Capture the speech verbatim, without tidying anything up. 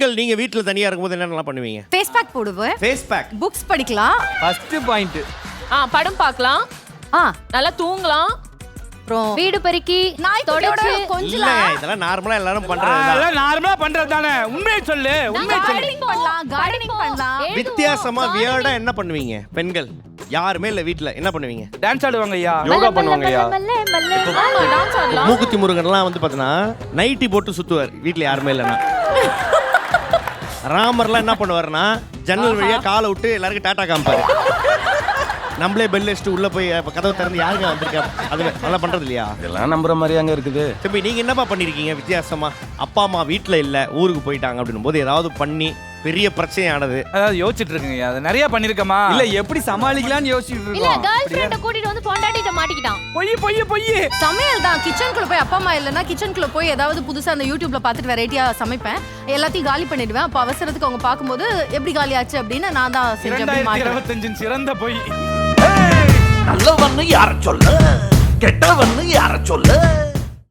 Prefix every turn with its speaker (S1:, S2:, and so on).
S1: பெண்கள் நீங்க வீட்ல தனியா இருக்கும்போது என்னென்னலாம் பண்ணுவீங்க?
S2: ஃபேஸ் பேக் போடுவேன்.
S1: Face pack.
S2: புக்ஸ் படிக்கலாம்.
S3: First point.
S4: ஆ படம் பார்க்கலாம்.
S2: ஆ
S4: நல்லா தூங்கலாம்.
S2: அப்புறம்
S4: வீடு பெருக்கி
S2: நாய்க்குட்டியோட
S4: தொடச்சு
S2: கொஞ்சலாம்.
S1: இல்லங்க இதெல்லாம் நார்மலா எல்லாரும் பண்றது தான்.
S3: அதெல்லாம் நார்மலா பண்றது தானே. உண்மையை சொல்லு, உண்மையை சொல்லு.
S2: கார்டனிங் பண்ணலாம், கார்டனிங் பண்ணலாம்.
S1: வித்தியாசமா வியர்டா என்ன பண்ணுவீங்க பெண்கள்? யாருமே இல்ல வீட்ல என்ன பண்ணுவீங்க?
S3: டான்ஸ் ஆடுவாங்க ஐயா.
S5: யோகா பண்ணுவாங்க ஐயா.
S4: டான்ஸ் ஆடலாம்.
S1: மூக்குத்தி முருகன்லாம் வந்து பாத்தீங்கன்னா நைட்டி போட்டு சுத்துவார் வீட்ல யாருமே இல்லைன்னா. ராமர்லாம் என்ன பண்ணுவாருன்னா ஜன்னல் வழியா காலை விட்டு எல்லாருக்கும் டாட்டா காமிப்பாரு. நம்மளே பெல் அடிச்சுட்டு உள்ள போய் கதவை திறந்து யாருங்க வந்திருக்கா அது நல்லா பண்றது இல்லையா?
S5: இதெல்லாம் நம்புற மாதிரி அங்க இருக்குது.
S1: தம்பி நீங்க என்னப்பா பண்ணிருக்கீங்க வித்தியாசமா? அப்பா அம்மா வீட்ல இல்ல ஊருக்கு போயிட்டாங்க அப்படின்னும் போது ஏதாவது பண்ணி பெரிய பிரச்சனையானது?
S3: அதாவது யோசிச்சுட்டு இருக்கீங்க. அது நிறைய பண்ணிருக்கமா?
S5: இல்ல எப்படி சமாளிக்கலாம்னு யோசிச்சுட்டு
S4: இல்ல
S5: இருக்கோம்.
S4: கேர்ள் ஃப்ரெண்ட கூட்டிட்டு வந்து பொண்டாட்டிட்ட மாட்டிக்கிட்டான்.
S3: பொய் பொய் பொய்.
S2: சமையல் தான். கிச்சனுக்குள்ள போய் அப்பா அம்மா இல்லைன்னா கிச்சனுக்குள்ள போய் ஏதாவது புதுசா அந்த யூடியூப்ல பார்த்துட்டு வெரைட்டியா சமைப்பேன். எல்லாத்தையும் காலி பண்ணிடுவேன். அப்போ அவசரத்துக்கு அவங்க பார்க்கும்போது எப்படி காலி ஆச்சு அப்படின்னு நான் தான் செஞ்சு அப்படி
S3: இரண்டாயிரத்தி
S2: மாட்டேன்.
S3: இருபத்தஞ்சின் சிறந்த பொய்.
S6: நல்லவன்னு யார சொல்ல, கெட்டவன்னு யார சொல்ல.